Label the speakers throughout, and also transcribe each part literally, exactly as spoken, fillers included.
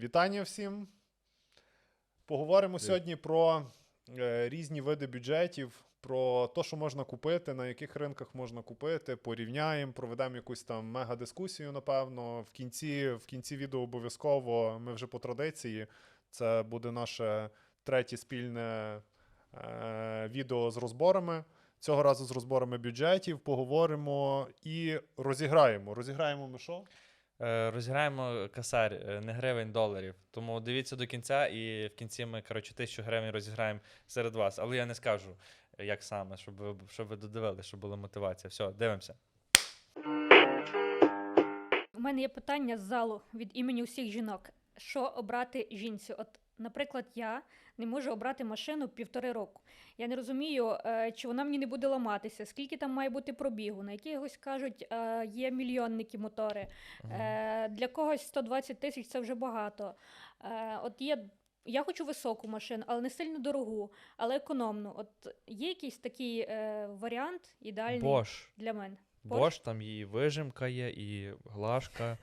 Speaker 1: Вітання всім. Поговоримо
Speaker 2: Привіт.
Speaker 1: сьогодні про е, різні види бюджетів, про те, що можна купити, на яких ринках можна купити, порівняємо, проведемо якусь там мега-дискусію, напевно. В кінці, в кінці відео обов'язково, ми вже по традиції, це буде наше третє спільне е, відео з розборами. Цього разу з розборами бюджетів, поговоримо і розіграємо. Розіграємо ми що?
Speaker 2: Е, Розіграємо косарь, е, не гривень, доларів. Тому дивіться до кінця, і в кінці ми, коротше, тисячу гривень розіграємо серед вас. Але я не скажу, е, як саме, щоб ви, щоб ви додивилися, щоб була мотивація. Все, дивимося.
Speaker 3: У мене є питання з залу від імені усіх жінок. Що обрати жінці? От, наприклад, я не можу обрати машину півтори року. Я не розумію, е, чи вона мені не буде ламатися, скільки там має бути пробігу. На якихось кажуть, е, є мільйонники мотори. Е, Для когось сто двадцять тисяч – це вже багато. Е, От є... Я хочу високу машину, але не сильно дорогу, але економну. От є якийсь такий е, варіант ідеальний
Speaker 2: Bosch.
Speaker 3: для мене?
Speaker 2: Bosch, там і вижимка є, і глажка,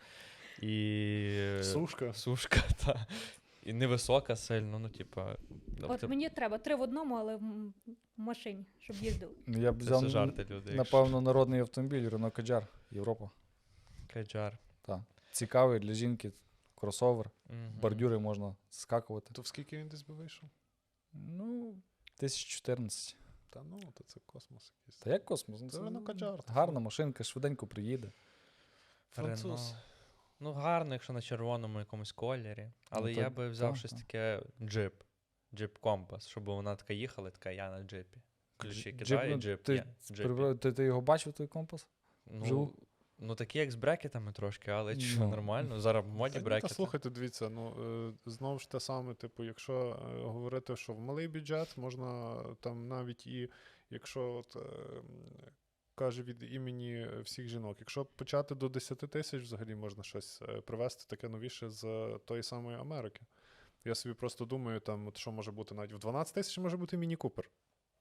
Speaker 2: і
Speaker 1: Сушка.
Speaker 2: сушка, та. І невисока сильно, ну, типа.
Speaker 3: От мені треба три в одному, але в м- в машині, щоб їздив.
Speaker 4: Я б
Speaker 2: Це
Speaker 4: взяв,
Speaker 2: все жарти, люди.
Speaker 4: напевно, народний автомобіль Renault Kadjar, Європа.
Speaker 2: Каджар.
Speaker 4: Так. Цікавий для жінки, кросовер,
Speaker 2: Мгм.
Speaker 4: бордюри можна скакувати.
Speaker 1: То в скільки він десь би вийшов?
Speaker 4: Ну, тисяча чотирнадцять.
Speaker 1: Та ну, то це космос якийсь.
Speaker 4: Та як космос? Ну,
Speaker 1: Це Renault Kadjar.
Speaker 4: гарна машинка, швиденько приїде.
Speaker 1: Француз.
Speaker 2: Рено. Ну, гарно, якщо на червоному якомусь кольорі. Але
Speaker 4: то-
Speaker 2: я би взяв
Speaker 4: так,
Speaker 2: щось
Speaker 4: так.
Speaker 2: таке джип. Джип компас, щоб вона така їхала, така я на джипі. Ключі
Speaker 4: Джип,
Speaker 2: кидає,
Speaker 4: ну,
Speaker 2: джип.
Speaker 4: ти,
Speaker 2: є в джипі.
Speaker 4: При- ти, ти його бачив, той компас?
Speaker 2: Ну,
Speaker 4: вживу?
Speaker 2: ну такі як з брекетами трошки, але що,
Speaker 4: Ну.
Speaker 2: нормально. Зараз в моді
Speaker 1: Та, ні, та
Speaker 2: брекети.
Speaker 1: слухайте, дивіться, ну е, знову ж те саме, типу, якщо е, говорити, що в малий бюджет можна там навіть і якщо от, е, м, каже від імені всіх жінок, якщо почати до десять тисяч, взагалі можна щось е, привезти таке новіше з е, тої самої Америки. Я собі просто думаю, там, от що може бути навіть в дванадцять тисяч може бути міні-купер.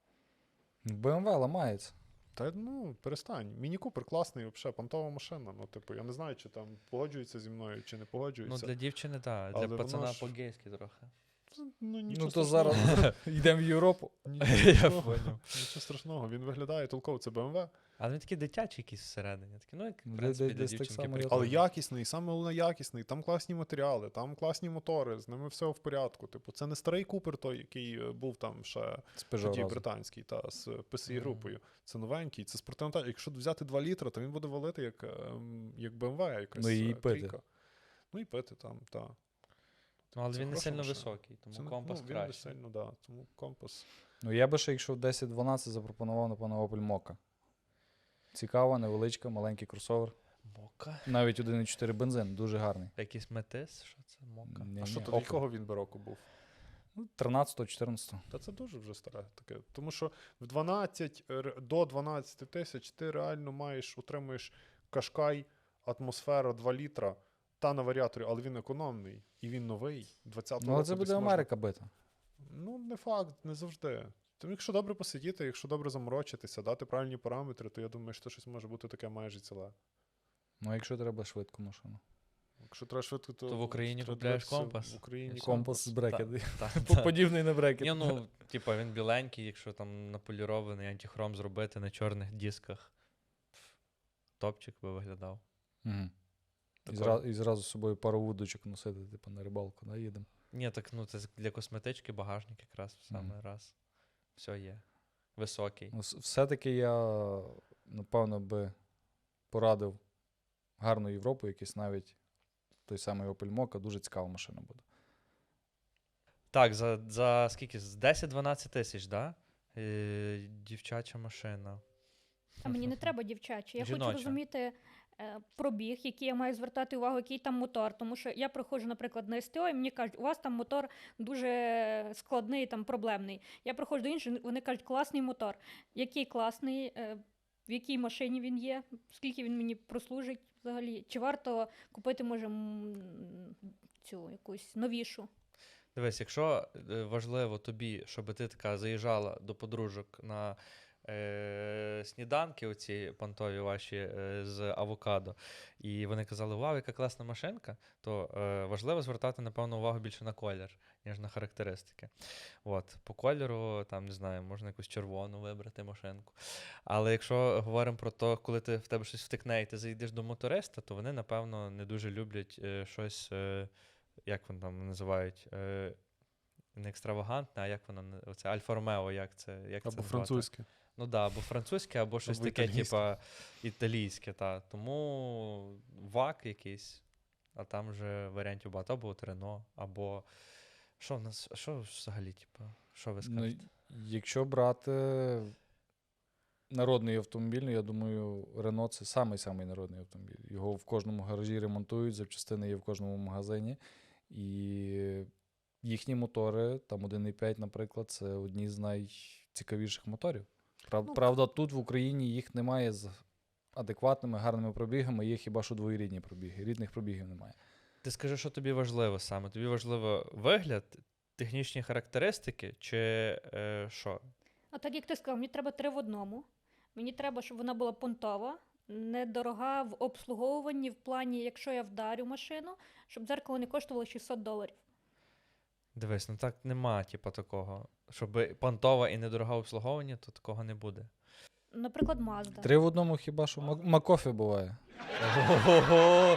Speaker 4: бе ем ве ламається.
Speaker 1: Та ну, перестань. Міні-купер класний, взагалі, понтова машина. Ну, типу, я не знаю, чи там погоджуються зі мною, чи не
Speaker 2: Ну,
Speaker 1: погоджуються.
Speaker 2: для дівчини, так.
Speaker 1: Але
Speaker 2: Для
Speaker 1: воно
Speaker 2: пацана
Speaker 1: ж-
Speaker 2: по-гейськи трохи.
Speaker 1: Ну, нічого
Speaker 4: Ну то
Speaker 1: страшного.
Speaker 4: зараз йдемо в Європу.
Speaker 1: Нічого
Speaker 2: Я
Speaker 1: страшного.
Speaker 2: поняв.
Speaker 1: Нічого страшного, він виглядає толково, це бе ем ве.
Speaker 2: Але він такий дитячий якийсь всередині. Такий, ну, як, в
Speaker 4: Де-
Speaker 2: принципі,
Speaker 4: де-
Speaker 2: для
Speaker 4: десь так
Speaker 2: дівчинки
Speaker 4: само я
Speaker 2: прикольно.
Speaker 1: Але якісний, саме головне якісний, там класні матеріали, там класні мотори, з ними все в порядку. Типу, це не старий купер той, який е, був там ще
Speaker 4: З Peugeot
Speaker 1: тоді
Speaker 4: разом.
Speaker 1: британський, та з пі ес
Speaker 2: Мгм.
Speaker 1: групою. Це новенький, це спортивна та. Якщо взяти два літра, то він буде валити як, ем, як бе ем ве, якась
Speaker 4: Ну, і
Speaker 1: е,
Speaker 4: пити.
Speaker 1: трійка. Ну і пити там, так.
Speaker 2: Ну, але
Speaker 1: Це
Speaker 2: він не
Speaker 1: хороша
Speaker 2: сильно
Speaker 1: машина.
Speaker 2: високий, тому
Speaker 1: Це не-
Speaker 2: компас
Speaker 1: ну, він не
Speaker 2: краще.
Speaker 1: сильно, да, тому компас.
Speaker 4: Ну я би ще, якщо десять дванадцять запропонував, напевно, Opel Mokka. Цікава, невеличка, маленький кросовер.
Speaker 2: Мока.
Speaker 4: Навіть один і чотири бензин, дуже гарний.
Speaker 2: Якийсь метис, що це? Мока.
Speaker 4: Ні,
Speaker 1: А що
Speaker 4: ні,
Speaker 1: то
Speaker 4: Opel.
Speaker 1: якого він би року був?
Speaker 4: Ну, тринадцятого чотирнадцятого.
Speaker 1: Та це дуже вже старе таке. Тому що в дванадцять, р- до дванадцять тисяч ти реально маєш, утримуєш Кашкай, атмосфера два літра, та на варіаторі, але він економний. І він новий. двадцятого
Speaker 4: Ну, але
Speaker 1: року
Speaker 4: це
Speaker 1: десь
Speaker 4: буде
Speaker 1: можна-
Speaker 4: Америка бита.
Speaker 1: Ну, не факт, не завжди. Тому якщо добре посидіти, якщо добре заморочитися, дати правильні параметри, то я думаю, що щось може бути таке майже ціле.
Speaker 4: Ну, а якщо треба швидку машину.
Speaker 1: Якщо треба швидко, то,
Speaker 2: То в Україні
Speaker 1: треба
Speaker 2: купляєш
Speaker 1: дивитися
Speaker 2: компас?
Speaker 1: В Україні
Speaker 4: Компас з брекет.
Speaker 2: Так,
Speaker 4: Подібний на брекет.
Speaker 2: Ні, ну, типа, він біленький, якщо там наполірований антихром зробити на чорних дисках. Пф, Топчик би виглядав.
Speaker 4: Мгм. І,
Speaker 1: Такої.
Speaker 4: зра- і зразу з собою пару вудочок носити, типу, на рибалку, да, їдемо.
Speaker 2: Ні, так ну це для косметички багажник якраз в саме
Speaker 4: Мгм.
Speaker 2: раз. Все є. Високий.
Speaker 4: Ну, с- все-таки я, напевно, би порадив гарну Європу, якийсь навіть той самий Opel Mokka, дуже цікава машина буде.
Speaker 2: Так, за, за скільки? З десять-дванадцять тисяч, да? Е, дівчача машина.
Speaker 3: А мені не треба дівчачі. Я
Speaker 2: Жіноча.
Speaker 3: хочу розуміти е, пробіг, який я маю звертати увагу, який там мотор. Тому що я приходжу, наприклад, на ес те о, і мені кажуть, у вас там мотор дуже складний, там проблемний. Я приходжу до інших, вони кажуть, класний мотор. Який класний, е, в якій машині він є, скільки він мені прослужить взагалі. Чи варто купити, може, м, цю якусь новішу?
Speaker 2: Дивись, якщо е, важливо тобі, щоб ти така заїжджала до подружок на е, сніданки, оці понтові ваші е, з авокадо, і вони казали, вау, яка класна машинка, то е, важливо звертати, напевно, увагу більше на колір, ніж на характеристики. От, по кольору, там, не знаю, можна якусь червону вибрати машинку. Але якщо говоримо про те, коли ти, в тебе щось втекне і ти зайдеш до моториста, то вони, напевно, не дуже люблять е, щось, е, як вони там називають, е, не екстравагантне, а як воно, на- оце Альфа-Ромео, як це, як це
Speaker 1: Або
Speaker 2: назвати?
Speaker 1: французьке.
Speaker 2: Ну так, да, або французьке, або щось
Speaker 1: Або
Speaker 2: таке,
Speaker 1: італійське.
Speaker 2: типа італійське, та. Тому вак якийсь, а там вже варіантів багато, або от Рено, або що в нас, що взагалі, типа, що ви
Speaker 4: Ну,
Speaker 2: скажете?
Speaker 4: якщо брати народний автомобіль, ну, я думаю, Рено це самий-самий народний автомобіль. Його в кожному гаражі ремонтують, запчастини є в кожному магазині. І їхні мотори, там один і п'ять, наприклад, це одні з найцікавіших моторів. Прав,
Speaker 3: Ну,
Speaker 4: правда, тут в Україні їх немає з адекватними, гарними пробігами, є хіба що двоєрідні пробіги. Рідних пробігів немає.
Speaker 2: Ти скажи, що тобі важливо саме? Тобі важливо вигляд, технічні характеристики, чи е, що?
Speaker 3: А так як ти сказав, мені треба три в одному. Мені треба, щоб вона була понтова, недорога в обслуговуванні, в плані, якщо я вдарю машину, щоб дзеркало не коштувало шістсот доларів.
Speaker 2: Дивись, ну так нема, типа, такого. Щоб понтова і недорога обслуговування, то такого не буде.
Speaker 3: Наприклад, Mazda.
Speaker 4: Три в одному хіба що Мак- Макофі буває.
Speaker 2: Ого!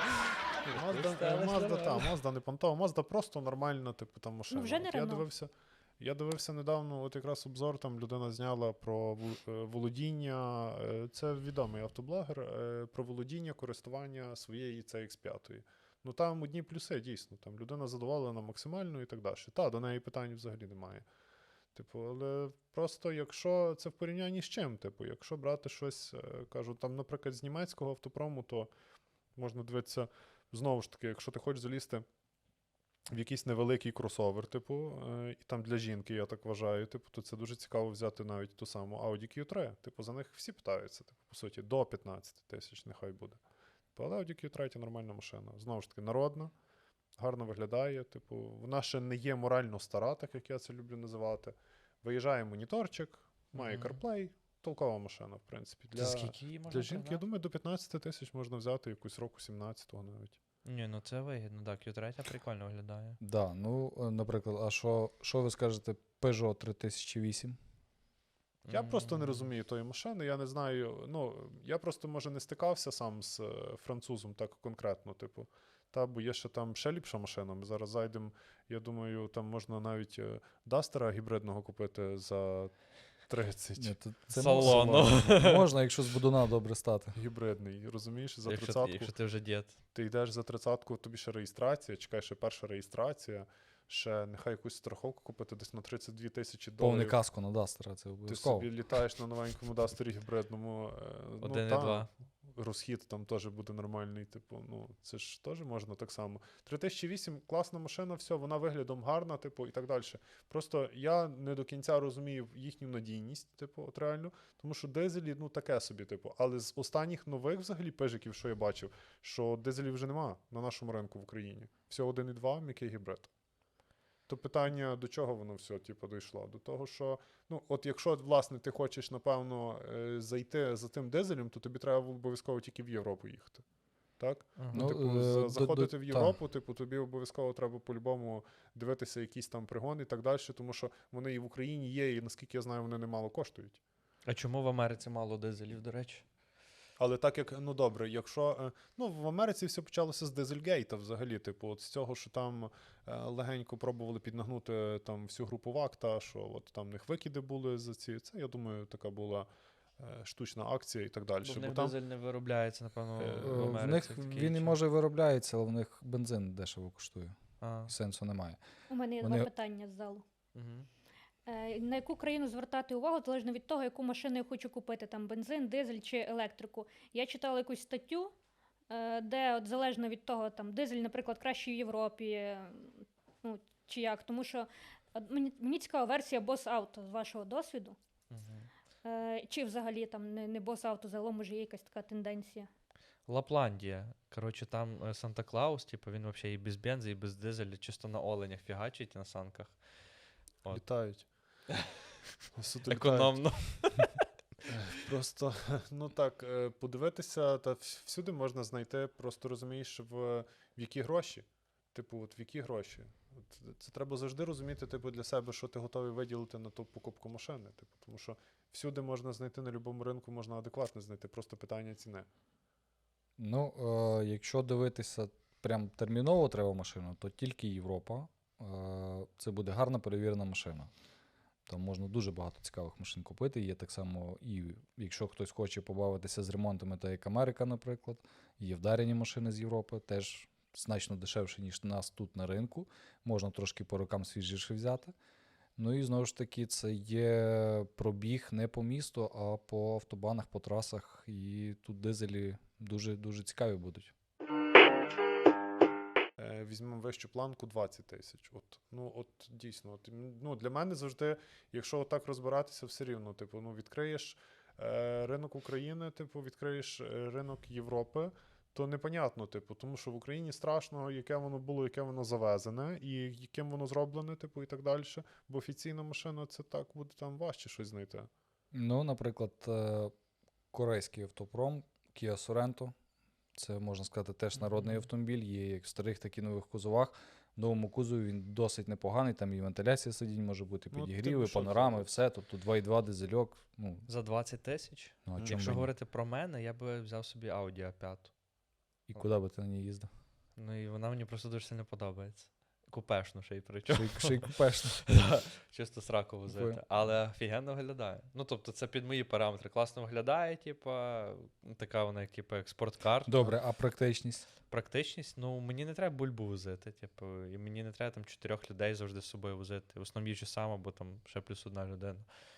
Speaker 1: Мазда, Мазда, та, Мазда не понтова, Мазда просто нормальна, типу, там машина.
Speaker 3: вже не
Speaker 1: От я
Speaker 3: Рено.
Speaker 1: дивився, я дивився недавно, от якраз обзор, там людина зняла про ву- е, володіння, е, це відомий автоблогер, е, про володіння, користування своєї сі ікс п'ять. Ну там одні плюси, дійсно, там людина задоволена максимально і так далі. Та, до неї питань взагалі немає. Типу, але просто якщо це в порівнянні з чим, типу, якщо брати щось, е, кажу, там, наприклад, з німецького автопрому, то можна дивитися, знову ж таки, якщо ти хочеш залізти в якийсь невеликий кросовер, типу, е, і там для жінки, я так вважаю, типу, то це дуже цікаво взяти навіть ту саму Audi кью три. Типу, за них всі питаються, типу, по суті, до п'ятнадцять тисяч нехай буде. Типу, але Audi кью три – нормальна машина. Знову ж таки, народна, гарно виглядає, типу, вона ще не є морально стара, так як я це люблю називати. Виїжджає моніторчик, має
Speaker 2: Мгм.
Speaker 1: CarPlay, толкова машина, в принципі.
Speaker 2: Для...
Speaker 1: Для,
Speaker 2: скільки її можна
Speaker 1: для жінки, я
Speaker 2: пригнати?
Speaker 1: думаю, до п'ятнадцять тисяч можна взяти якусь року сімнадцятого навіть.
Speaker 2: Ні, ну це вигідно, так, кью три прикольно виглядає.
Speaker 4: Да, ну, е, наприклад, а що, що ви скажете Peugeot три тисячі вісім?
Speaker 1: Я просто не
Speaker 2: М,
Speaker 1: розумію тої машини, я не знаю. Ну, я просто, може, не стикався сам з е, французом так конкретно, типу. Та, бо є ще там ще ліпша машина. Ми зараз зайдемо, я думаю, там можна навіть е, Дастера гібридного купити за тридцять.
Speaker 4: Ні, то це
Speaker 2: Салону.
Speaker 4: можна, можна, якщо з будуна добре стати.
Speaker 1: Гібридний, розумієш, за
Speaker 2: Якщо,
Speaker 1: тридцятку.
Speaker 2: якщо ти вже дід.
Speaker 1: Ти йдеш за тридцятку, тобі ще реєстрація, чекай, ще перша реєстрація, ще нехай якусь страховку купити десь на тридцять дві тисячі доларів.
Speaker 4: Повне каско на Дастера, це
Speaker 1: Ти
Speaker 4: обов'язково.
Speaker 1: собі літаєш на новенькому Дастері гібридному. е,
Speaker 2: Один і
Speaker 1: та,
Speaker 2: два.
Speaker 1: Розхід там теж буде нормальний. Типу, ну це ж теж можна так само. три тисячі вісім класна машина, все, вона виглядом гарна, типу, і так далі. Просто я не до кінця розумію їхню надійність, типу, от реально, тому що дизелі, ну таке собі, типу. Але з останніх нових взагалі пежиків, що я бачив, що дизелів вже нема на нашому ринку в Україні. Все один і два, м'який гібрид. То питання, до чого воно все, типу, дійшло? До того, що, ну, от якщо, власне, ти хочеш, напевно, е, зайти за тим дизелем, то тобі треба обов'язково тільки в Європу їхати. Так?
Speaker 2: Ага.
Speaker 1: Ну,
Speaker 4: Ну,
Speaker 1: типу,
Speaker 4: е,
Speaker 1: за-
Speaker 4: до-
Speaker 1: заходити
Speaker 4: до-
Speaker 1: в
Speaker 4: та.
Speaker 1: Європу, типу, тобі обов'язково треба по-любому дивитися якісь там пригони і так далі, тому що вони і в Україні є, і наскільки я знаю, вони немало коштують.
Speaker 2: А чому в Америці мало дизелів, до речі?
Speaker 1: Але так як, ну добре, якщо. е, Ну, в Америці все почалося з Дизельгейта взагалі. Типу, от з цього, що там е, легенько пробували піднагнути там всю групу ВАКТа, що от там в них викиди були за ці. Це, я думаю, така була е, штучна акція і так далі.
Speaker 2: Бо в
Speaker 1: Бо
Speaker 2: них
Speaker 1: там,
Speaker 2: дизель не виробляється, напевно,
Speaker 1: Е,
Speaker 2: в
Speaker 4: Е,
Speaker 2: Америці.
Speaker 4: В них
Speaker 2: такий
Speaker 4: він і
Speaker 2: чи-
Speaker 4: може виробляється, але в них бензин дешево коштує.
Speaker 2: А,
Speaker 4: Сенсу немає.
Speaker 3: У мене є
Speaker 4: Вони-
Speaker 3: два питання з залу.
Speaker 2: угу.
Speaker 3: Е, На яку країну звертати увагу, залежно від того, яку машину я хочу купити, там бензин, дизель чи електрику. Я читала якусь статтю, е, де от залежно від того, там дизель, наприклад, краще в Європі, е, ну, чи як. Тому що от мені, мені цікава версія Boss Auto з вашого досвіду.
Speaker 2: Угу.
Speaker 3: Е, Чи взагалі там не, не Boss Auto, загалом може є якась така тенденція.
Speaker 2: Лапландія. Коротше, там е, Санта-Клаус, типу, він взагалі і без бензи, і без дизеля, чисто на оленях фігачить на санках. От.
Speaker 1: літають. Суто літають.
Speaker 2: Економно.
Speaker 1: Просто, ну так, е, подивитися, та вс- всюди можна знайти, просто розумієш, в, в які гроші. Типу, от в які гроші. От, це треба завжди розуміти, типу, для себе, що ти готовий виділити на ту покупку машини. Типу, тому що всюди можна знайти, на будь-якому ринку можна адекватно знайти, просто питання ціни.
Speaker 4: Ну, е, якщо дивитися прям терміново треба машину, то тільки Європа. Е, це буде гарна перевірена машина. Там можна дуже багато цікавих машин купити. Є так само, і якщо хтось хоче побавитися з ремонтами, то як Америка, наприклад, є вдарені машини з Європи, теж значно дешевше, ніж у нас тут на ринку. Можна трошки по рокам свіжіше взяти. Ну і знову ж таки, це є пробіг не по місту, а по автобанах, по трасах. І тут дизелі дуже-дуже цікаві будуть.
Speaker 1: Е, Візьмемо вищу планку двадцять тисяч. От, ну, от дійсно, от, м, ну, для мене завжди, якщо отак розбиратися, все рівно, типу, ну, відкриєш е, ринок України, типу, відкриєш е, ринок Європи, то непонятно, типу, тому що в Україні страшно, яке воно було, яке воно завезене, і яким воно зроблене, типу, і так далі. Бо офіційна машина, це так буде там важче щось знайти.
Speaker 4: Ну, наприклад, е, корейський автопром Kia Sorento. Це, можна сказати, теж народний
Speaker 1: Мгм.
Speaker 4: автомобіль. Є як в старих, так і нових кузовах. В новому кузові він досить непоганий. Там і вентиляція сидінь може бути,
Speaker 1: Ну,
Speaker 4: підігріви,
Speaker 1: типу, що
Speaker 4: панорами,
Speaker 1: це?
Speaker 4: все. Тобто два і два дизельок. Ну,
Speaker 2: За двадцять тисяч?
Speaker 4: ну а
Speaker 1: Мгм.
Speaker 4: чому
Speaker 2: Якщо
Speaker 4: би ні?
Speaker 2: говорити про мене, я би взяв собі Audi а п'ять.
Speaker 4: І куди би ти на ній їздив?
Speaker 2: Ну і вона мені просто дуже сильно подобається. Купешну ще й причому.
Speaker 4: Ще й- Ще й купешно.
Speaker 2: Да, чисто сраку возити.
Speaker 4: Купую.
Speaker 2: Але офігенно виглядає. Ну, тобто, це під мої параметри. Класно виглядає, типа, така вона, як, типу, як спорткар.
Speaker 4: Добре, а практичність?
Speaker 2: Практичність, ну, мені не треба бульбу возити, типу, і мені не треба там чотирьох людей завжди з собою возити. В основному їжджу сам, або там ще плюс одна людина.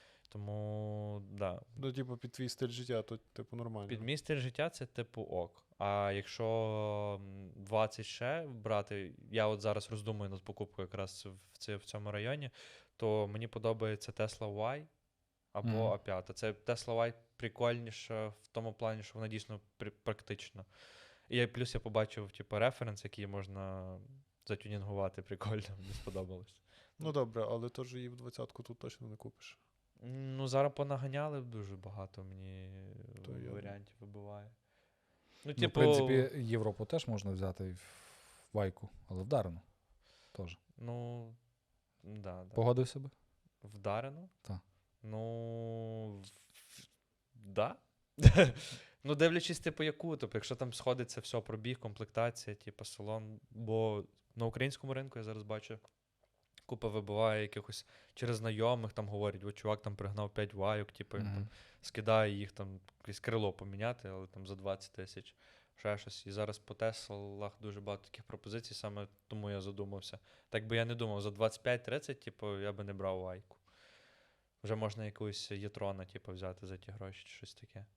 Speaker 2: Тому, да.
Speaker 1: Ну, типу, під твій стиль життя, то, типу, нормально.
Speaker 2: Під мій стиль життя це типу ок. А якщо м, двадцять ще брати, я от зараз роздумую над покупкою якраз в, ці- в цьому районі, то мені подобається Tesla Y або
Speaker 4: Мгм.
Speaker 2: а п'ять. Це Tesla Y прикольніше в тому плані, що вона дійсно при- практична. І я- плюс я побачив, типу, референс, який можна затюнінгувати прикольно, мені сподобалось.
Speaker 1: Ну, добре, але теж її в двадцятку тут точно не купиш.
Speaker 2: Ну, зараз понаганяли дуже багато мені
Speaker 1: То я-
Speaker 2: варіантів вибиває. Ну,
Speaker 4: Ну, в
Speaker 2: типу,
Speaker 4: принципі, Європу теж можна взяти в вайку, але вдарено. Теж.
Speaker 2: ну, да, да.
Speaker 4: Погодився би?
Speaker 2: Вдарено?
Speaker 4: Так.
Speaker 2: Ну, в- да. Ну, дивлячись, типу, яку, тобто, якщо там сходиться все, пробіг, комплектація, типу, салон. Бо на українському ринку я зараз бачу, купа вибиває якихось через знайомих, там говорять, о, чувак там пригнав п'ять вайок, типу, він там
Speaker 4: Мгм.
Speaker 2: скидає їх там якесь крило поміняти, але там за двадцять тисяч, ще щось. І зараз по Теслах дуже багато таких пропозицій, саме тому я задумався. Так би я не думав, за двадцять п'ять тридцять, типу, я би не брав вайку. Вже можна якусь Єтрона, типу, взяти за ті гроші чи щось таке.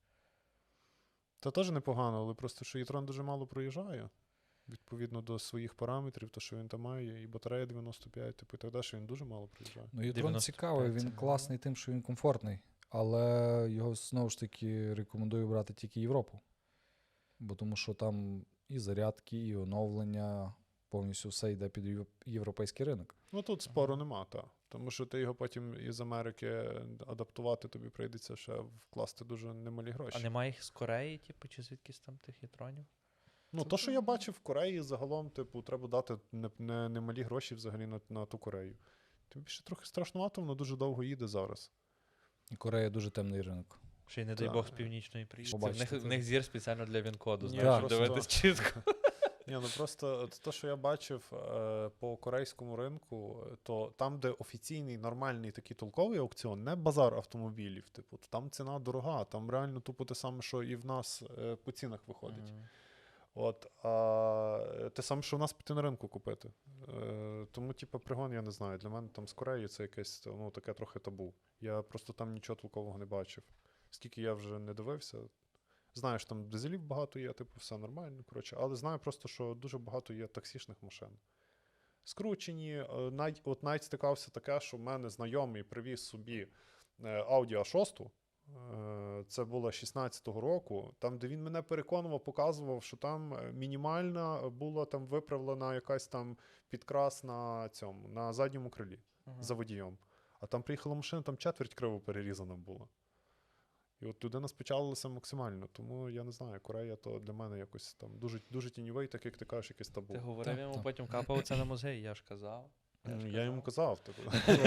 Speaker 1: Та теж непогано, але просто що Єтрон дуже мало проїжджає. Відповідно до своїх параметрів, то що він там має, і батарея дев'яносто п'ять, типу, і так далі, що він дуже мало проїжджає.
Speaker 4: Ну, Єтрон
Speaker 2: дев'яносто
Speaker 4: цікавий,
Speaker 2: п'ять
Speaker 4: він
Speaker 2: це
Speaker 4: класний тим, що він комфортний. Але його знову ж таки рекомендую брати тільки Європу. Бо тому що там і зарядки, і оновлення, повністю все йде під єв- європейський ринок.
Speaker 1: Ну тут спору нема, та. Тому що ти його потім із Америки адаптувати тобі прийдеться ще вкласти дуже немалі гроші.
Speaker 2: А немає їх з Кореї, типу, чи звідкись там тих Єтронів?
Speaker 1: Ну, то, що я бачив в Кореї, загалом, типу, треба дати не, не, немалі гроші взагалі на, на ту Корею. Тим більше трохи страшнувато, воно дуже довго їде зараз.
Speaker 4: І Корея дуже темний ринок.
Speaker 2: Ще й не дай
Speaker 1: Та.
Speaker 2: Бог з північної приїжджати. В
Speaker 4: Побачите,
Speaker 2: них, в
Speaker 4: це-
Speaker 2: них зір спеціально для він-коду,
Speaker 1: Ні,
Speaker 2: знаєш, щоб
Speaker 1: просто-
Speaker 2: дивитись чітко.
Speaker 1: Ні, ну просто от то, що я бачив е, по корейському ринку, е, то там, де офіційний, нормальний такий толковий аукціон, не базар автомобілів, типу, то там ціна дорога, там реально тупо те саме, що і в нас е, по цінах виходить.
Speaker 2: Мгм.
Speaker 1: От, а те саме, що в нас піти на ринку купити. Е, тому, типу, пригон, я не знаю. Для мене там з Кореї це якесь ну, таке трохи табу. Я просто там нічого толкового не бачив. Скільки я вже не дивився. Знаю, що там дизелів багато є, типу, все нормально. Коротше, але знаю просто, що дуже багато є таксішних машин. Скручені. е, Навіть, от навіть стикався таке, що в мене знайомий привіз собі е, Audi а шість. Е, Це було шістнадцятого року, там, де він мене переконував, показував, що там е, мінімальна була там виправлена якась там підкрас на цьому, на задньому крилі
Speaker 2: Мгм.
Speaker 1: за водієм. А там приїхала машина, там четверть криво перерізана була. І от людина спечалилася максимально, тому я не знаю, Корея то для мене якось там дуже, дуже тіньовий, так як ти кажеш, якийсь табу.
Speaker 2: Ти говорив
Speaker 4: Так,
Speaker 2: йому,
Speaker 4: так.
Speaker 2: потім капав це на музей, я ж казав.
Speaker 1: Ну,
Speaker 2: ж
Speaker 1: Я йому казав, типу.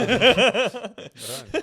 Speaker 1: Реально.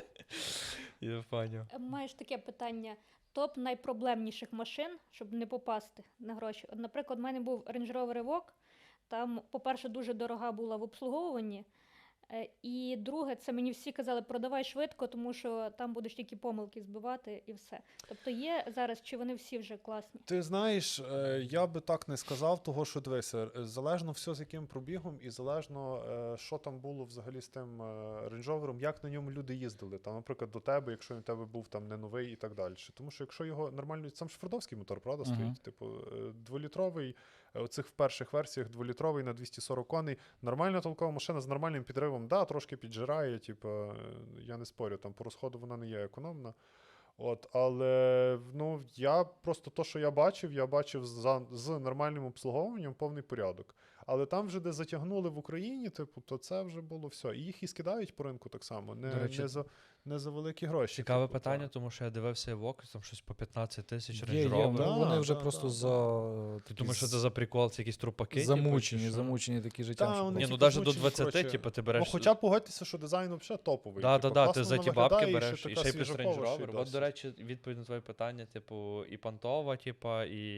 Speaker 2: Я поняв.
Speaker 3: Е, Маєш таке питання. Топ найпроблемніших машин, щоб не попасти на гроші. От, наприклад, в мене був Range Rover Evoque. Там, по-перше, дуже дорога була в обслуговуванні. Е, І друге, це мені всі казали, продавай швидко, тому що там будеш тільки помилки збивати і все. Тобто є зараз, чи вони всі вже класні?
Speaker 1: Ти знаєш, е, я би так не сказав, того, що дивися, е, залежно все з яким пробігом, і залежно, е, що там було взагалі з тим рейндж-ровером, як на ньому люди їздили. Там, наприклад, до тебе, якщо він у тебе був там не новий і так далі. Тому що якщо його нормально, сам ж фордовський мотор, правда,
Speaker 4: Мгм.
Speaker 1: стоїть? Типу, е, дволітровий, е, оцих в перших версіях дволітровий на двісті сорок коней. Нормальна толкова машина з нормальним підривом, да, трошки піджирає, типу, е, я не спорю, там по розходу вона не є економна. От, але ну, я просто то, що я бачив, я бачив за, з нормальним обслуговуванням повний порядок. Але там вже, де затягнули в Україні, типу, то це вже було все. І їх і скидають по ринку так само, не,
Speaker 2: До речі,
Speaker 1: не, за, не за великі гроші.
Speaker 2: Цікаве
Speaker 1: типу,
Speaker 2: питання,
Speaker 1: так.
Speaker 2: тому що я дивився Evoque, там щось по п'ятнадцять тисяч
Speaker 4: Є,
Speaker 2: Range
Speaker 4: є,
Speaker 2: Rover.
Speaker 1: Да,
Speaker 4: вони вже
Speaker 1: да,
Speaker 4: просто
Speaker 1: да,
Speaker 4: за
Speaker 2: Ти думаєш, що це за прикол, це якісь трупаки?
Speaker 4: замучені,
Speaker 2: типу, чи що?
Speaker 4: замучені такі життям.
Speaker 1: Та,
Speaker 4: що
Speaker 1: вони
Speaker 2: Ні,
Speaker 4: просто-
Speaker 2: ну
Speaker 1: типу,
Speaker 2: навіть до
Speaker 1: змучені,
Speaker 2: двадцяти,
Speaker 1: коротше.
Speaker 2: типу, ти
Speaker 1: Ну,
Speaker 2: береш...
Speaker 1: хоча погодьтеся, що дизайн взагалі топовий.
Speaker 2: Да,
Speaker 1: типу,
Speaker 2: да, да,
Speaker 1: класно
Speaker 2: ти за
Speaker 1: воно
Speaker 2: ті
Speaker 1: виглядає,
Speaker 2: бабки
Speaker 1: і
Speaker 2: береш,
Speaker 1: ще
Speaker 2: і
Speaker 1: така
Speaker 2: ще й плюс
Speaker 1: свіжакова,
Speaker 2: Range
Speaker 1: ще й
Speaker 2: Rover. От,
Speaker 1: досить.
Speaker 2: до речі, відповідь на твоє питання, типу, і понтова, типу,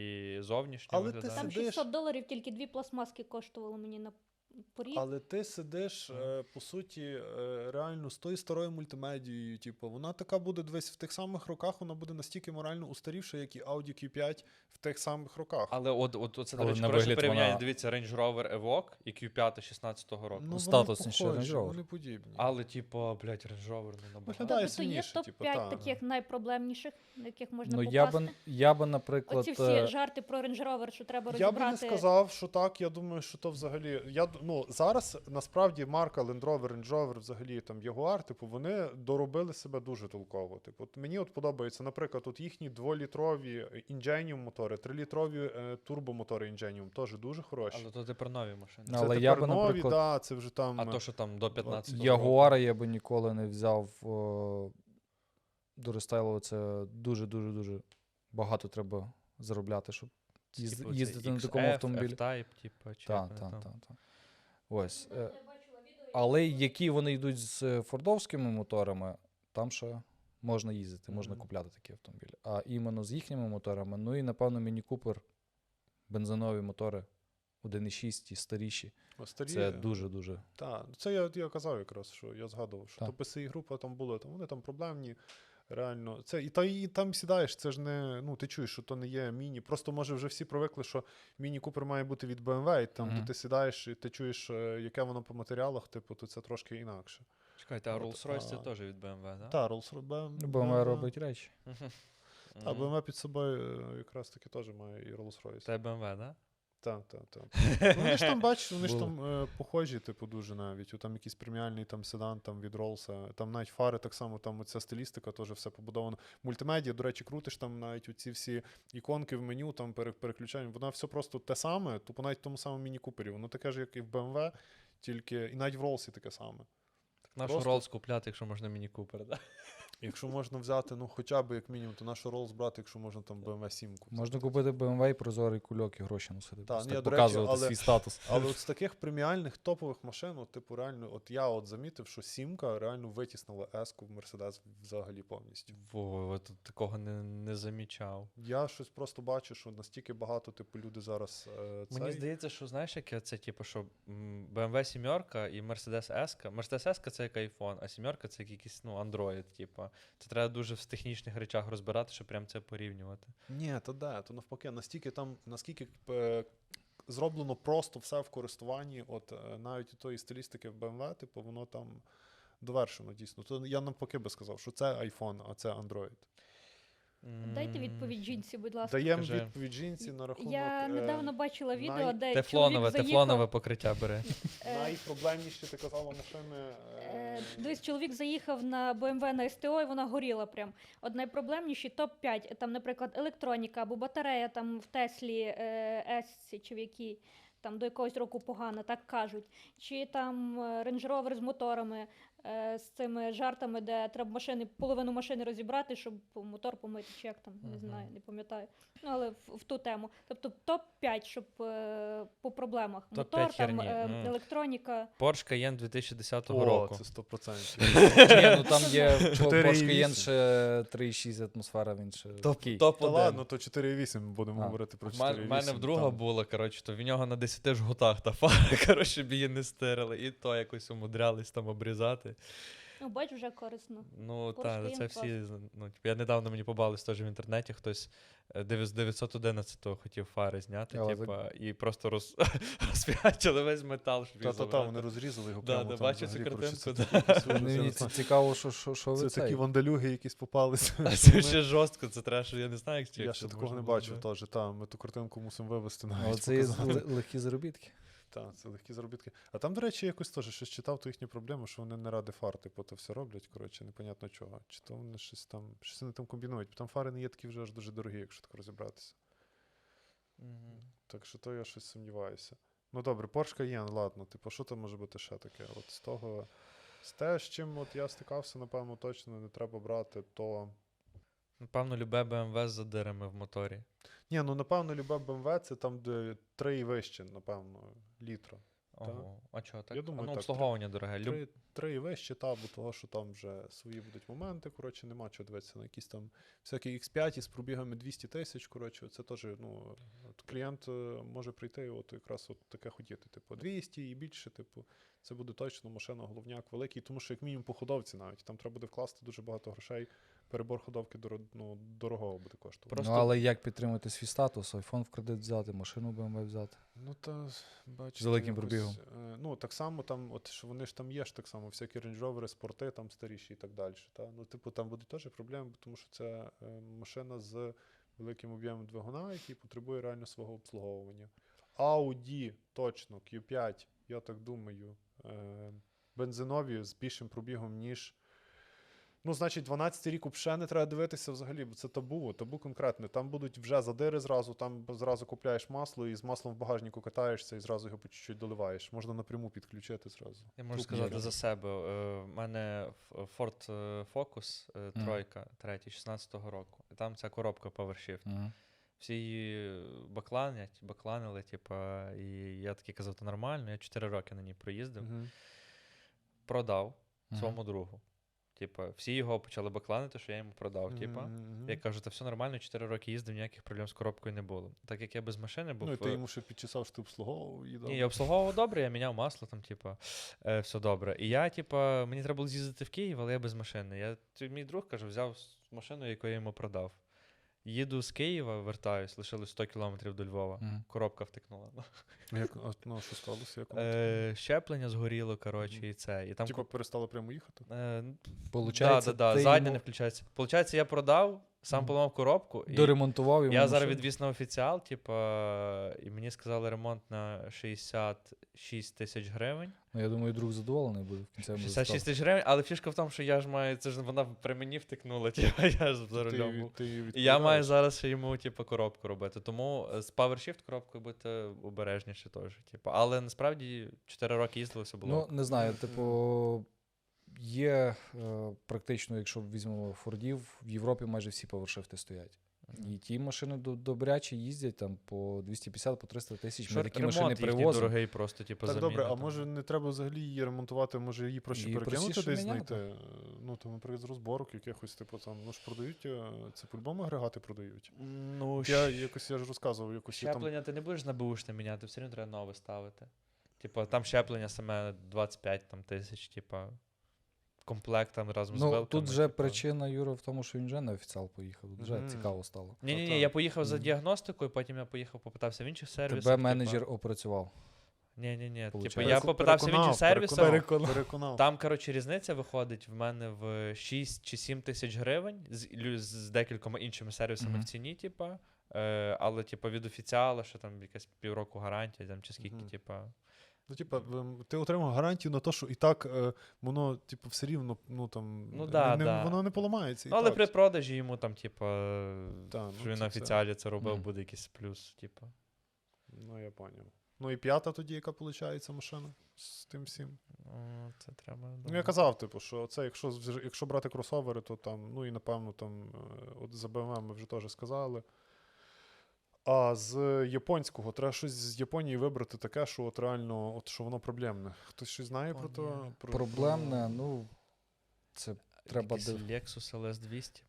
Speaker 2: і зовнішнє
Speaker 1: Але ти
Speaker 2: виглядає.
Speaker 3: Там
Speaker 1: сидиш-
Speaker 3: шістсот доларів тільки дві пластмаски коштувало мені на поріг.
Speaker 1: Але ти сидиш, е, по суті, е, реально з тою старою мультимедією, типу, вона така буде десь в тих самих роках, вона буде настільки морально устарівша, як і Audi кю п'ять в тих самих роках.
Speaker 2: Але от, от, от це, до
Speaker 4: Але
Speaker 2: речі,
Speaker 4: на
Speaker 2: хороше
Speaker 4: вигляд
Speaker 2: порівняння.
Speaker 4: вона-
Speaker 2: Дивіться, Range Rover Evoque і кю п'ять шістнадцятого року.
Speaker 1: Ну, вони
Speaker 4: статусніше
Speaker 1: похожі,
Speaker 4: Range Rover.
Speaker 1: вони подібні.
Speaker 2: Але, типу, блядь, Range Rover не набагато.
Speaker 1: Виглядає
Speaker 3: Тобто є
Speaker 1: сильніше,
Speaker 3: топ
Speaker 1: типу,
Speaker 3: п'ять
Speaker 1: та.
Speaker 3: таких найпроблемніших, на яких можна
Speaker 4: Ну,
Speaker 3: попасти.
Speaker 4: я би, я би, наприклад,
Speaker 3: Оці всі
Speaker 4: е,
Speaker 3: жарти про Range Rover, що треба
Speaker 1: Я би
Speaker 3: розібрати.
Speaker 1: не сказав, що так. Я думаю, що то взагалі. Я д- ну зараз насправді марка Land Rover, Range Rover, взагалі там Jaguar, типу, вони доробили себе дуже толково. Типу, от мені от подобається, наприклад, от їхні дволітрові Ingenium мотори, трилітрові е, турбомотори Ingenium теж дуже хороші.
Speaker 2: Але то ти про нові машини.
Speaker 4: Ну,
Speaker 1: Це
Speaker 4: але
Speaker 1: тепер
Speaker 4: я би,
Speaker 1: нові,
Speaker 4: наприклад,
Speaker 1: да, це вже там.
Speaker 2: А то, що там до п'ятнадцятого
Speaker 4: Ягуара я би ніколи не взяв. О, до рестайлу це дуже-дуже-дуже багато треба заробляти, щоб їзд-
Speaker 2: Типу, це
Speaker 4: їздити на
Speaker 2: ікс
Speaker 4: такому
Speaker 2: еф,
Speaker 4: автомобілі.
Speaker 2: F-Type, типу, чи
Speaker 4: Так,
Speaker 2: як вони
Speaker 4: так,
Speaker 2: там.
Speaker 4: так. Та. Ось. е, Але які вони йдуть з е, фордовськими моторами, там ще можна їздити, можна
Speaker 1: Мгм.
Speaker 4: купляти такі автомобілі. А іменно з їхніми моторами, ну і напевно Міні Купер, бензинові мотори один і шість і старіші.
Speaker 1: Старі,
Speaker 4: Це дуже-дуже.
Speaker 1: Так, це я, я казав якраз, що я згадував, що
Speaker 4: Так.
Speaker 1: то пі ес і-група там була, там вони там проблемні. Реально, це і та і там сідаєш, це ж не. Ну, ти чуєш, що то не є міні. Просто може вже всі привикли, що міні Купер має бути від бе ем ве, і там,
Speaker 4: Мгм.
Speaker 1: де ти сідаєш, і ти чуєш, е, яке воно по матеріалах, типу, то це трошки інакше.
Speaker 2: Чекайте, а
Speaker 1: От,
Speaker 2: Rolls-Royce це
Speaker 1: а-
Speaker 2: теж від бе ем ве, так?
Speaker 1: Та, Rolls-Royce.
Speaker 4: бе ем ве робить речі.
Speaker 1: Та, бе ем ве під собою е, якраз таки теж має і Rolls-Royce.
Speaker 2: Це бе ем ве, так?
Speaker 1: Так, так, так. Ну, вони ж там, бачиш, вони ж
Speaker 4: Було.
Speaker 1: там е, похожі, типу, дуже навіть. О, там якийсь преміальний там седан там, від Роллса, там навіть фари так само, там оця стилістика теж все побудовано. Мультимедіа, до речі, крутиш там навіть оці всі іконки в меню, там пере- переключання, воно все просто те саме, тупо навіть в тому самому міні-купері. Воно таке ж, як і в бе ем ве, тільки і навіть в Роллсі таке саме.
Speaker 2: Нашу
Speaker 1: Просто-
Speaker 2: Rolls купляти, якщо можна міні Купер, так?
Speaker 1: Якщо можна взяти, ну хоча б як мінімум, то нашу Роллс брати, якщо можна там бе ем ве сім.
Speaker 4: Можна купити бе ем ве і прозорий кульок і гроші носити.
Speaker 1: Та,
Speaker 4: просто
Speaker 1: ні,
Speaker 4: так
Speaker 1: до речі,
Speaker 4: показувати
Speaker 1: але-
Speaker 4: свій статус.
Speaker 1: Але от з таких преміальних топових машин, от, типу, реально, от я от замітив, що сімка реально витіснила еску в Мерседес взагалі повністю.
Speaker 2: Во, от такого не, не замічав.
Speaker 1: Я щось просто бачу, що настільки багато, типу, люди зараз е, цей...
Speaker 2: Мені здається, що знаєш, яке це, типу, що м, бе ем ве сімерка і Mercedes S. Mercedes S це як iPhone, а сімерка це як якийсь, ну, Android, типу. Це треба дуже в технічних речах розбирати, щоб прям це порівнювати.
Speaker 1: Ні, то де, то навпаки, настільки там, наскільки е, зроблено просто все в користуванні, от е, навіть і тої стилістики в бе ем ве, типу, воно там довершено дійсно. То я навпаки би сказав, що це iPhone, а це Android.
Speaker 3: Дайте
Speaker 2: М,
Speaker 3: відповідь жінці, будь ласка.
Speaker 1: Даємо
Speaker 2: Скажи.
Speaker 1: відповідь жінці на рахунок...
Speaker 3: Я
Speaker 1: е,
Speaker 3: недавно бачила відео,
Speaker 1: най-
Speaker 3: де
Speaker 2: Тефлонове,
Speaker 3: чоловік заїхав,
Speaker 2: тефлонове покриття бери.
Speaker 3: е,
Speaker 1: Найпроблемніші, ти казала, машини...
Speaker 3: Е,
Speaker 1: Е...
Speaker 3: Дивись, чоловік заїхав на бе ем ве на ес те о, і вона горіла прям. От найпроблемніші топ п'ять. Там, наприклад, електроніка або батарея там в Теслі е, S чи в якій. Там до якогось року погано, так кажуть. Чи там е, Range Rover з моторами, е, з цими жартами, де треба машини, половину машини розібрати, щоб мотор помити, чи як там, не
Speaker 2: Мгм.
Speaker 3: знаю, не пам'ятаю. Ну, але в, в ту тему. Тобто топ п'ять, щоб е, по проблемах.
Speaker 2: топ
Speaker 3: Мотор,
Speaker 2: п'ять
Speaker 3: там,
Speaker 2: херні.
Speaker 3: е,
Speaker 2: Мгм.
Speaker 3: електроніка.
Speaker 2: Porsche Cayenne дві тисячі десятого
Speaker 1: О,
Speaker 2: року.
Speaker 1: це сто відсотків.
Speaker 4: Ні, ну там є
Speaker 1: чотири і
Speaker 4: Porsche Cayenne
Speaker 1: вісім.
Speaker 4: ще три і шість атмосфера, він ще такий.
Speaker 2: Топ
Speaker 1: Та
Speaker 2: один.
Speaker 1: ладно, то чотири і вісім будемо
Speaker 4: А.
Speaker 1: говорити про
Speaker 2: У
Speaker 1: чотири і
Speaker 2: мене,
Speaker 1: вісім.
Speaker 2: в мене в друга
Speaker 1: там.
Speaker 2: була, коротше, то в нього на десяти жгутах та фара, коротше, щоб її не стирили. І то якось умудрялись там обрізати.
Speaker 3: Ну, бач, вже корисно.
Speaker 2: Ну,
Speaker 3: Porsche
Speaker 2: так,
Speaker 3: Cayenne
Speaker 2: це
Speaker 3: клас.
Speaker 2: всі. Ну, типу, я недавно мені побались теж в інтернеті, хтось е, дев'ять- дев'ятсот одинадцятого хотів фари зняти,
Speaker 4: Але
Speaker 2: типа, і просто роз... розп'ячили весь метал, щоб їх
Speaker 1: Та-та-та,
Speaker 2: забрати.
Speaker 1: вони розрізали його
Speaker 2: Да,
Speaker 1: прямо
Speaker 2: да,
Speaker 1: там
Speaker 2: бачу цю
Speaker 1: взагалі, коротше,
Speaker 2: картинку,
Speaker 1: це
Speaker 2: да.
Speaker 1: такі свої-
Speaker 4: Мені
Speaker 1: це-
Speaker 4: ці- цікаво, що, що, що ви
Speaker 1: Це
Speaker 4: цей.
Speaker 1: такі вандалюги, якісь попалися.
Speaker 2: А це ще жорстко, це треба, що я не знаю, як
Speaker 1: Я
Speaker 2: як
Speaker 1: ще
Speaker 2: це
Speaker 1: такого
Speaker 2: можна
Speaker 1: не
Speaker 2: було,
Speaker 1: бачив
Speaker 2: да.
Speaker 1: теж. Та, ми ту картинку мусимо вивести
Speaker 4: Але
Speaker 1: навіть.
Speaker 4: це є
Speaker 1: показати.
Speaker 4: л- легкі заробітки.
Speaker 1: Так, це легкі заробітки. А там, до речі, якось теж щось читав, то їхні проблеми, що вони не ради фар, типу, то все роблять, коротше, непонятно чого. Чи то вони щось там, щось вони там комбінують. Бо там фари не є такі вже аж дуже дорогі, якщо так розібратися.
Speaker 2: Мгм.
Speaker 1: Так що то я щось сумніваюся. Ну добре, Porsche Cayenne, ладно, типу, що там може бути ще таке? От з того, з те, з чим от я стикався, напевно, точно не треба брати, то.
Speaker 2: Напевно, любе бе ем ве з задирами в моторі.
Speaker 1: Ні, ну напевно, любе бе ем ве це там, де три і вище, напевно, літра.
Speaker 2: Ого. А чого так?
Speaker 1: Я думаю,
Speaker 2: а, ну,
Speaker 1: так,
Speaker 2: обслуговування дороге. Люб...
Speaker 1: Три, три і вище, та, бо того, що там вже свої будуть моменти, коротше, нема чого дивитися на якісь там всякі ікс п'ять із пробігами двісті тисяч, коротше, це теж, ну, от клієнт е, може прийти і от якраз от таке хотіти, типу, двісті і більше, типу, це буде точно машина, головняк великий, тому що як мінімум по ходовці навіть, там треба буде вкласти дуже багато грошей, перебор ходовки доро, ну, дорогого буде коштувати.
Speaker 2: Просто-
Speaker 4: Ну, але як підтримати свій статус? Айфон в кредит взяти, машину бе ем ве взяти.
Speaker 1: Ну, та, бачите,
Speaker 4: З великим
Speaker 1: якось,
Speaker 4: пробігом.
Speaker 1: е, ну, так само там, от, що вони ж там є ж так само, всякі Range Rover, спорти там старіші і так далі. Та? Ну, типу, там будуть теж проблеми, тому що це е, машина з великим об'ємом двигуна, який потребує реально свого обслуговування. Audi, точно, кью п'ять, я так думаю, е, бензинові з більшим пробігом, ніж. Ну, значить, дванадцятий рік взагалі не треба дивитися взагалі, бо це табу, табу конкретне. Там будуть вже задири зразу, там зразу купляєш масло і з маслом в багажнику катаєшся і зразу його по чуть-чуть доливаєш. Можна напряму підключити зразу.
Speaker 2: Я можу
Speaker 1: Тут
Speaker 2: сказати
Speaker 1: є.
Speaker 2: за себе. Е, В мене F- Ford е, Focus е,
Speaker 4: Мгм.
Speaker 2: тройка, третій, шістнадцятого року. І там ця коробка PowerShift.
Speaker 4: Угу.
Speaker 2: Всі її бакланять, бакланили, типа, і я такий казав, то нормально. Я чотири роки на ній проїздив.
Speaker 1: Мгм.
Speaker 2: Продав своєму другу. Типа, всі його почали бакланити, що я йому продав. Типа.
Speaker 1: Мгм.
Speaker 2: Я кажу, та все нормально, чотири роки їздив, ніяких проблем з коробкою не було. Так як я без машини був.
Speaker 1: Ну, і ти
Speaker 2: е,
Speaker 1: йому ще підчесав, що ти обслуговував її.
Speaker 2: Ні, я обслуговував добре, я міняв масло, там, типа, е, все добре. І я, типа, мені треба було з'їздити в Київ, але я без машини. Я, т- мій друг, каже, взяв с- машину, яку я йому продав. Їду з Києва, вертаюсь, лишилось сто кілометрів до Львова.
Speaker 4: Мгм.
Speaker 2: Коробка втекнула.
Speaker 1: Як, а, ну, що сталося? Як воно таке?
Speaker 2: Е, щеплення згоріло, коротше,
Speaker 1: Мгм.
Speaker 2: і це. І там
Speaker 1: Типа перестали прямо їхати?
Speaker 2: Е,
Speaker 4: Получається,
Speaker 2: да, да, да,
Speaker 4: ти
Speaker 2: задня
Speaker 4: йому
Speaker 2: не включається. Получається, я продав, сам
Speaker 4: Мгм.
Speaker 2: поламав коробку. І
Speaker 4: доремонтував йому
Speaker 2: я зараз
Speaker 4: машину.
Speaker 2: відвіз на офіціал, типа, і мені сказали ремонт на шістдесят шість тисяч гривень.
Speaker 4: Ну, я думаю, друг задоволений буде в кінцевому
Speaker 2: шістдесят шість
Speaker 4: результаті.
Speaker 2: тисяч гривень, але фішка в тому, що я ж маю, це ж вона при мені втекнула, типа, я ж за
Speaker 1: Ти,
Speaker 2: рулем був.
Speaker 1: ти її
Speaker 2: І я маю
Speaker 1: відправляєш?
Speaker 2: зараз ще йому, типу, коробку робити. Тому е, з PowerShift коробкою бути обережніше теж. Типу. Але насправді чотири роки їздили, все було.
Speaker 4: Ну, не знаю,
Speaker 1: Мгм.
Speaker 4: типу, є е, практично, якщо візьмемо Фордів, в Європі майже всі повершифти стоять.
Speaker 2: Мгм.
Speaker 4: І ті машини до- добрячі їздять там по двісті п'ятдесят, по триста тисяч. Ми
Speaker 2: Що
Speaker 4: такі
Speaker 2: ремонт
Speaker 4: машини
Speaker 2: їхній
Speaker 4: привозимо.
Speaker 2: дорогий просто, типу,
Speaker 1: Так,
Speaker 2: заміна.
Speaker 1: добре, а
Speaker 2: там.
Speaker 1: може не треба взагалі її ремонтувати, може її проще
Speaker 4: Її
Speaker 1: перекинути
Speaker 4: простіше
Speaker 1: десь
Speaker 4: міняти.
Speaker 1: знайти? Ну, там, наприклад, з розборок якихось, типу, там, ну ж продають, е, це по-любому агрегати продають.
Speaker 2: Ну,
Speaker 1: Я
Speaker 2: щ-
Speaker 1: якось, я ж розказував, якось я там...
Speaker 2: щеплення ти не будеш на беушне міняти, все одно треба нове ставити. Типу, там щеплення саме двадцять п'ять там, тисяч, типу, комплект там разом з
Speaker 4: Ну,
Speaker 2: вилками.
Speaker 4: тут вже
Speaker 2: типу.
Speaker 4: причина, Юра, в тому, що він вже на офіціал поїхав. Тут вже
Speaker 1: Мгм.
Speaker 4: цікаво стало.
Speaker 2: Ні-ні-ні,
Speaker 1: Та-та.
Speaker 2: я поїхав за
Speaker 4: Мгм.
Speaker 2: діагностикою, потім я поїхав, попитався в інших сервісах.
Speaker 4: Тебе
Speaker 2: типу.
Speaker 4: менеджер опрацював.
Speaker 2: Ні, ні, ні. Типу,
Speaker 4: Получається.
Speaker 2: я попитався в інших сервісах.
Speaker 1: Переконав, переконав.
Speaker 2: Там, коротше, різниця виходить в мене в шість чи сім тисяч гривень з, лю- з декількома іншими сервісами
Speaker 4: Мгм.
Speaker 2: в ціні, типа. Е, але, типу, від офіціала, що там якась півроку гарантія, там чи скільки,
Speaker 1: Мгм.
Speaker 2: типа.
Speaker 1: Ну, типа, ем, ти отримав гарантію на те, що і так е, воно, типу, все рівно, ну там,
Speaker 2: Ну
Speaker 1: не-
Speaker 2: да,
Speaker 1: не,
Speaker 2: да.
Speaker 1: воно не поламається. І
Speaker 2: Ну, але
Speaker 1: так.
Speaker 2: при продажі йому там, типа,
Speaker 1: Та, ну,
Speaker 2: що він
Speaker 1: це
Speaker 2: на
Speaker 1: все.
Speaker 2: офіціалі це робив,
Speaker 4: Мгм.
Speaker 2: буде якийсь плюс, типа.
Speaker 1: Ну, я поняв. Ну і п'ята тоді, яка виходить машина з тим всім.
Speaker 2: Ну, це треба.
Speaker 1: Ну, я казав, типу, що це, якщо, з- якщо брати кросовери, то там, ну і напевно, там, е, от за бе ем ве ми вже теж сказали. А з японського, треба щось з Японії вибрати таке, що от реально, от що воно проблемне. Хтось щось знає про то?
Speaker 2: Японія.
Speaker 1: Про,
Speaker 4: Проблемне, ну, це треба
Speaker 2: Якийсь
Speaker 4: див-
Speaker 2: Lexus ел ес двісті.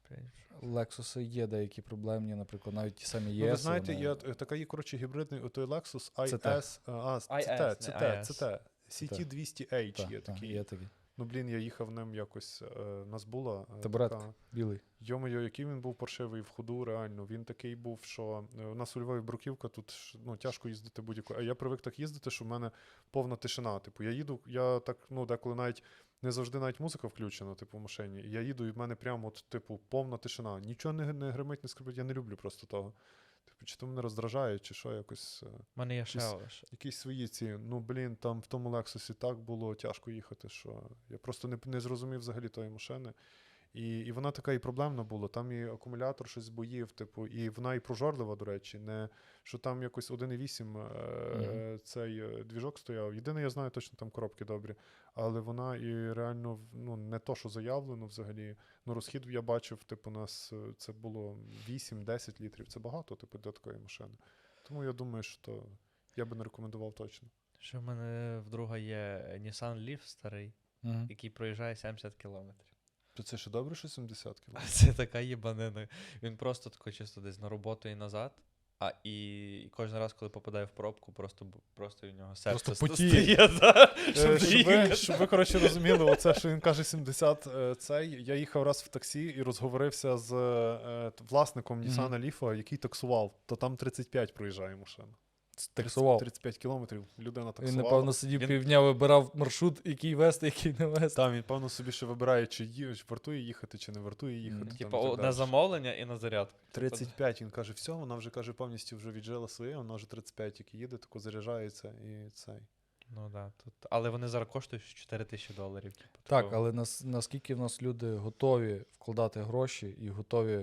Speaker 4: Lexus є деякі проблемні, наприклад, навіть ті самі
Speaker 1: Ну,
Speaker 4: є.
Speaker 1: ви знаєте, є е, така є, коротше, гібридний отой Lexus
Speaker 4: Це
Speaker 1: ай ес, а, це
Speaker 2: ай ес,
Speaker 1: те,
Speaker 2: не
Speaker 1: це те,
Speaker 2: ай ес.
Speaker 1: це те. сі ті двісті ейч є такий.
Speaker 4: є такий.
Speaker 1: Ну, блін, я їхав ним якось, е, нас була е,
Speaker 4: Табуретка.
Speaker 1: така...
Speaker 4: Білий.
Speaker 1: Йо-моє, який він був паршивий в ходу, реально. Він такий був, що е, у нас у Львові бруківка, тут ж, ну, тяжко їздити будь-яку. А я привик так їздити, що в мене повна тишина. Типу, я їду, я так, ну, деколи навіть не завжди навіть музика включена, типу, в машині. І я їду, і в мене прямо, от, типу, повна тишина. Нічого не, не гримить, не скрипить. Я не люблю просто того. Типу, чи то мене роздражає, чи що, якось. е,
Speaker 2: У мене є ще
Speaker 1: Якісь-
Speaker 2: ось.
Speaker 1: Якісь свої ці, ну блін, там в тому Лексусі так було тяжко їхати, що я просто не, не зрозумів взагалі тої машини. І, і вона така і проблемна була. Там і акумулятор щось боїв, типу, і вона і прожорлива, до речі, не що там якось один і вісім е,
Speaker 4: Мгм.
Speaker 1: цей е, двіжок стояв. Єдине, я знаю, точно там коробки добрі, але вона і реально в- ну, не то, що заявлено взагалі. Ну, розхід я бачив, типу, у нас е, це було вісім-десять літрів. Це багато, типу, для такої машини. Тому я думаю, що то я би не рекомендував точно.
Speaker 2: Ще в мене в друга є Nissan Leaf старий,
Speaker 4: Угу.
Speaker 2: який проїжджає сімдесят кілометрів.
Speaker 1: То це ще добре, що сімдесят
Speaker 2: А
Speaker 1: кілометрів?
Speaker 2: це така їбанина. Він просто тако чисто десь на роботу і назад. А і, і кожен раз, коли попадає в пробку, просто, бу- просто у нього серце
Speaker 4: Просто
Speaker 2: ст-
Speaker 4: потіє.
Speaker 2: стає, да,
Speaker 1: Е,
Speaker 2: щоб
Speaker 1: Щоб ви,
Speaker 2: доїхати.
Speaker 1: щоб ви, коротше, розуміли, оце, що він каже сімдесят, е, цей. Я їхав раз в таксі і розговорився з е, т- власником
Speaker 4: Мгм.
Speaker 1: Nissan Leaf, який таксував, то там тридцять п'ять проїжджає машина.
Speaker 4: Таксував.
Speaker 1: тридцять п'ять кілометрів людина
Speaker 4: Він,
Speaker 1: таксувала.
Speaker 4: напевно, сидів
Speaker 2: Він-
Speaker 4: півдня, вибирав маршрут, який вести, який не вести.
Speaker 1: Там він, певно, собі ще вибирає, чи, ї- чи вартує їхати, чи не вартує їхати.
Speaker 4: Мгм.
Speaker 1: там,
Speaker 2: Типа
Speaker 1: і так
Speaker 2: о, на
Speaker 1: далі.
Speaker 2: замовлення і на зарядку.
Speaker 1: тридцять п'ять, він каже, все, вона вже каже, повністю вже віджила своє, вона вже тридцять п'ять тільки їде, тако заряджається і цей.
Speaker 2: Ну да, тут. Але вони зараз коштують чотири тисячі доларів. Типу,
Speaker 4: Так,
Speaker 2: такого.
Speaker 4: але нас, наскільки в нас люди готові вкладати гроші і готові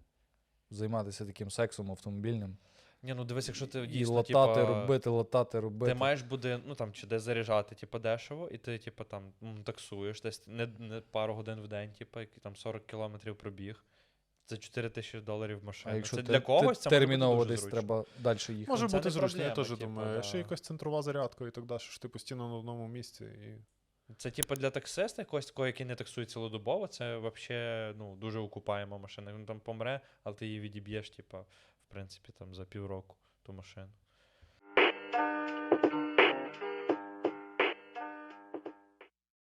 Speaker 4: займатися таким сексом автомобільним,
Speaker 2: Ні, ну дивись, якщо ти
Speaker 4: і
Speaker 2: дійсно,
Speaker 4: латати,
Speaker 2: типа,
Speaker 4: робити, латати, робити.
Speaker 2: ти маєш буде, ну там, чи де заряджати, типу, дешево, і ти, типу, там м, таксуєш десь не, не пару годин в день, типу, які там сорок кілометрів пробіг. Це чотири тисячі доларів
Speaker 4: А
Speaker 2: машина.
Speaker 4: якщо
Speaker 2: Це
Speaker 4: те-
Speaker 2: для когось
Speaker 4: те-
Speaker 2: це може бути
Speaker 4: терміново
Speaker 2: дуже
Speaker 4: десь
Speaker 2: зручно.
Speaker 4: треба далі їхати.
Speaker 1: Може
Speaker 2: це
Speaker 1: бути
Speaker 2: не
Speaker 1: зручно, я
Speaker 2: проблема,
Speaker 1: теж
Speaker 2: типу,
Speaker 1: думаю.
Speaker 2: да.
Speaker 1: Ще якась центрова зарядка і так далі, що ти постійно на одному місці. І...
Speaker 2: Це типу для таксиста, якогось такого, який не таксує цілодобово, це взагалі ну, дуже окупаєма машина. Він там помре, але ти її відіб'єш, типу, в принципі, там за півроку ту машину.